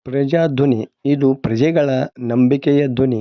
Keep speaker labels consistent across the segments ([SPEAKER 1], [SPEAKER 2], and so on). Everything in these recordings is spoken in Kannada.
[SPEAKER 1] ಪ್ರಜಾಧ್ವನಿ ಇದು ಪ್ರಜೆಗಳ ನಂಬಿಕೆಯ ಧ್ವನಿ.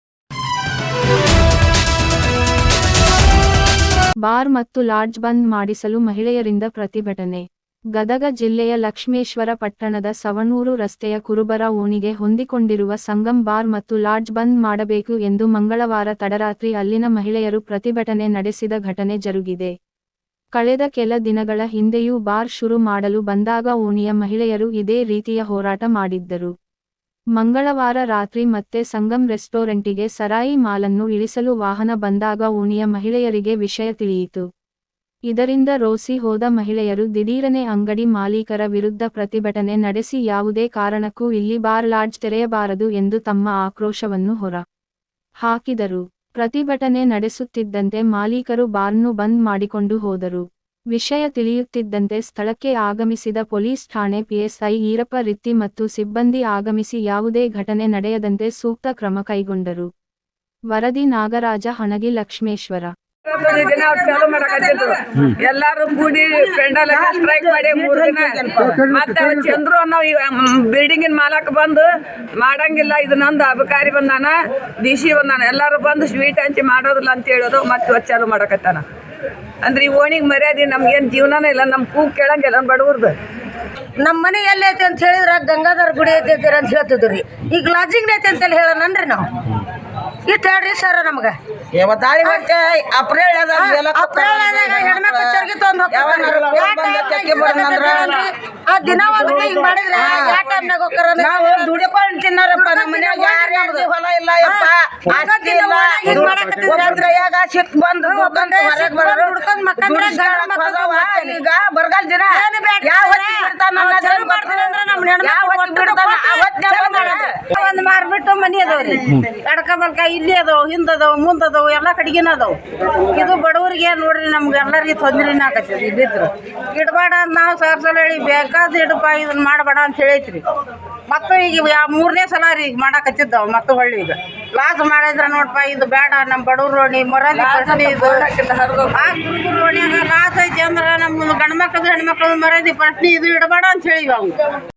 [SPEAKER 2] ಬಾರ್ ಮತ್ತು ಲಾಡ್ಜ್ ಬಂದ್ ಮಾಡಿಸಲು ಮಹಿಳೆಯರಿಂದ ಪ್ರತಿಭಟನೆ. ಗದಗ ಜಿಲ್ಲೆಯ ಲಕ್ಷ್ಮೇಶ್ವರ ಪಟ್ಟಣದ ಸವಣೂರು ರಸ್ತೆಯ ಕುರುಬರ ಓಣಿಗೆ ಹೊಂದಿಕೊಂಡಿರುವ ಸಂಗಮ್ ಬಾರ್ ಮತ್ತು ಲಾಡ್ಜ್ ಬಂದ್ ಮಾಡಬೇಕು ಎಂದು ಮಂಗಳವಾರ ತಡರಾತ್ರಿ ಅಲ್ಲಿನ ಮಹಿಳೆಯರು ಪ್ರತಿಭಟನೆ ನಡೆಸಿದ ಘಟನೆ ಜರುಗಿದೆ. ಕಳೆದ ಕೆಲ ದಿನಗಳ ಹಿಂದೆಯೂ ಬಾರ್ ಶುರು ಮಾಡಲು ಬಂದಾಗ ಓಣಿಯ ಮಹಿಳೆಯರು ಇದೇ ರೀತಿಯ ಹೋರಾಟ ಮಾಡಿದ್ದರು. ಮಂಗಳವಾರ ರಾತ್ರಿ ಮತ್ತೆ ಸಂಗಮ್ ರೆಸ್ಟೋರೆಂಟಿಗೆ ಸರಾಯಿ ಮಾಲನ್ನು ಇಳಿಸಲು ವಾಹನ ಬಂದಾಗ ಓಣಿಯ ಮಹಿಳೆಯರಿಗೆ ವಿಷಯ ತಿಳಿಯಿತು. ಇದರಿಂದ ರೋಸಿ ಹೋದ ಮಹಿಳೆಯರು ದಿಢೀರನೆ ಅಂಗಡಿ ಮಾಲೀಕರ ವಿರುದ್ಧ ಪ್ರತಿಭಟನೆ ನಡೆಸಿ ಯಾವುದೇ ಕಾರಣಕ್ಕೂ ಇಲ್ಲಿ ಬಾರ್ ಲಾಡ್ಜ್ ತೆರೆಯಬಾರದು ಎಂದು ತಮ್ಮ ಆಕ್ರೋಶವನ್ನು ಹೊರ ಹಾಕಿದರು. ಪ್ರತಿಭಟನೆ ನಡೆಸುತ್ತಿದ್ದಂತೆ ಮಾಲೀಕರು ಬಾರ್ನ್ನು ಬಂದ್ ಮಾಡಿಕೊಂಡು ಹೋದರು. ವಿಷಯ ತಿಳಿಯುತ್ತಿದ್ದಂತೆ ಸ್ಥಳಕ್ಕೆ ಆಗಮಿಸಿದ ಪೊಲೀಸ್ ಠಾಣೆ ಪಿಎಸ್ಐ ಈರಪ್ಪ ರಿತ್ತಿ ಮತ್ತು ಸಿಬ್ಬಂದಿ ಆಗಮಿಸಿ ಯಾವುದೇ ಘಟನೆ ನಡೆಯದಂತೆ ಸೂಕ್ತ ಕ್ರಮ ಕೈಗೊಂಡರು. ವರದಿ ನಾಗರಾಜ ಹಣಗಿ, ಲಕ್ಷ್ಮೇಶ್ವರ.
[SPEAKER 3] ದಿನ ಅವ್ರು ಚಾಲು ಮಾಡಕತ್ತಿದ್ರು. ಎಲ್ಲಾರು ಕೂಡಿ ಪೆಂಡಲ್ ಸ್ಟ್ರೈಕ್ ಮಾಡಿ 3 ದಿನ. ಮತ್ತೆ ಚಂದ್ರು ಅನ್ನೋ ಬಿಲ್ಡಿಂಗಿನ ಮಾಲಕ್ ಬಂದು ಮಾಡಂಗಿಲ್ಲ, ಇದು ನಂದು ಅಬಕಾರಿ ಬಂದಾನ, ಡಿಸಿ ಬಂದಾನ, ಎಲ್ಲಾರು ಬಂದು ಸ್ವೀಟ್ ಹಂಚಿ ಮಾಡೋದಿಲ್ಲ ಅಂತ ಹೇಳೋದು. ಮತ್ತೆ ಚಾಲು ಮಾಡಕತ್ತಾನ. ಅಂದ್ರೆ ಈ ಓಣಿಗೆ ಮರ್ಯಾದೆ, ನಮ್ಗೇನು ಜೀವನನೇ ಇಲ್ಲ, ನಮ್ ಕೂಗ್ ಕೇಳಂಗಿಲ್ಲ ಬಡವ್ರದ್ದು.
[SPEAKER 4] ನಮ್ಮ ಮನೆ ಎಲ್ಲಿ ಐತಿ ಅಂತ ಹೇಳಿದ್ರ ಗಂಗಾಧರ ಗುಡಿ ಐತಿ ಅಂತ ಹೇಳ್ತಿದ್ರಿ. ಈಗ ಲಾಡ್ಜಿಂಗ್ ಐತಿ ಅಂತ ಹೇಳೋಣನ್ರಿ ನಾವು. ಇಟ್ಟು ಹೇಳ್ರಿ ಸರ್ ನಮ್ಗೆ. ಆ ದಿನ ಹೋಗುತ್ತೆ ಹಿಂಗ್ ಮಾಡಿದ್ರೆ ಯಾವ ಟೈಮ್ನಾಗ ಹೋಗ್ತಾರ? ನಾವು ದುಡಿಕೊಂಡು ತಿನ್ನಾರಪ್ಪ. ನಮ್ಮ ಮನ್ಯಾಗ ಯಾರು ಹೊಲ ಇಲ್ಲ, ಈಗ ಬರಗಾಲ ದಿನ ಒಂದ್ ಮಾರ್ಬಿಟ್ಟು ಮನಿ ಅದಾವ್ರಿ. ಎಡಕ ಬಲ್ಕ ಇಲ್ಲಿ ಅದಾವ, ಹಿಂದದಾವ, ಮುಂದದಾವ, ಎಲ್ಲಾ ಕಡೆಗಿನ ಅದಾವ. ಇದು ಬಡವರಿಗೆ ನೋಡ್ರಿ, ನಮ್ಗೆ ಎಲ್ಲರಿಗೆ ತೊಂದ್ರೆನ ಆಕತ್ತೀರಿ. ಇಲ್ಲಿದ್ರು ಇಡಬೇಡ ಅಂತ ನಾವು ಸಲ ಹೇಳಿ ಬೇಕಾದ ಇಡಪ್ಪ, ಇದನ್ನ ಮಾಡಬೇಡ ಅಂತ ಹೇಳೈತ್ರಿ. ಮತ್ತು ಈಗ 3ನೇ ಸಲ ರೀ ಈಗ ಮಾಡಾಕತ್ತಿದ್ದಾವ. ಮತ್ತು ಹೊಳ್ಳಿ ಈಗ ಲಾಸ್ ಮಾಡಿದ್ರ ನೋಡಪ್ಪ, ಇದು ಬೇಡ, ನಮ್ಮ ಬಡವ್ರ ರೋಣಿ ಮೊರಾದಿ ಪ್ರಶ್ನೆ ಇದು. ಆ ಕುರುಬರ ರೋಣಿಯಾಗ ಲಾಸ್ ಐತಿ ಅಂದ್ರೆ ನಮ್ಮ ಗಂಡ್ಮಕ್ಳದು ಹೆಣ್ಮಕ್ಳದು ಮರ್ಯಾದಿ ಪ್ರಶ್ನೆ ಇದು ಇಡಬೇಡ ಅಂತ ಹೇಳಿ.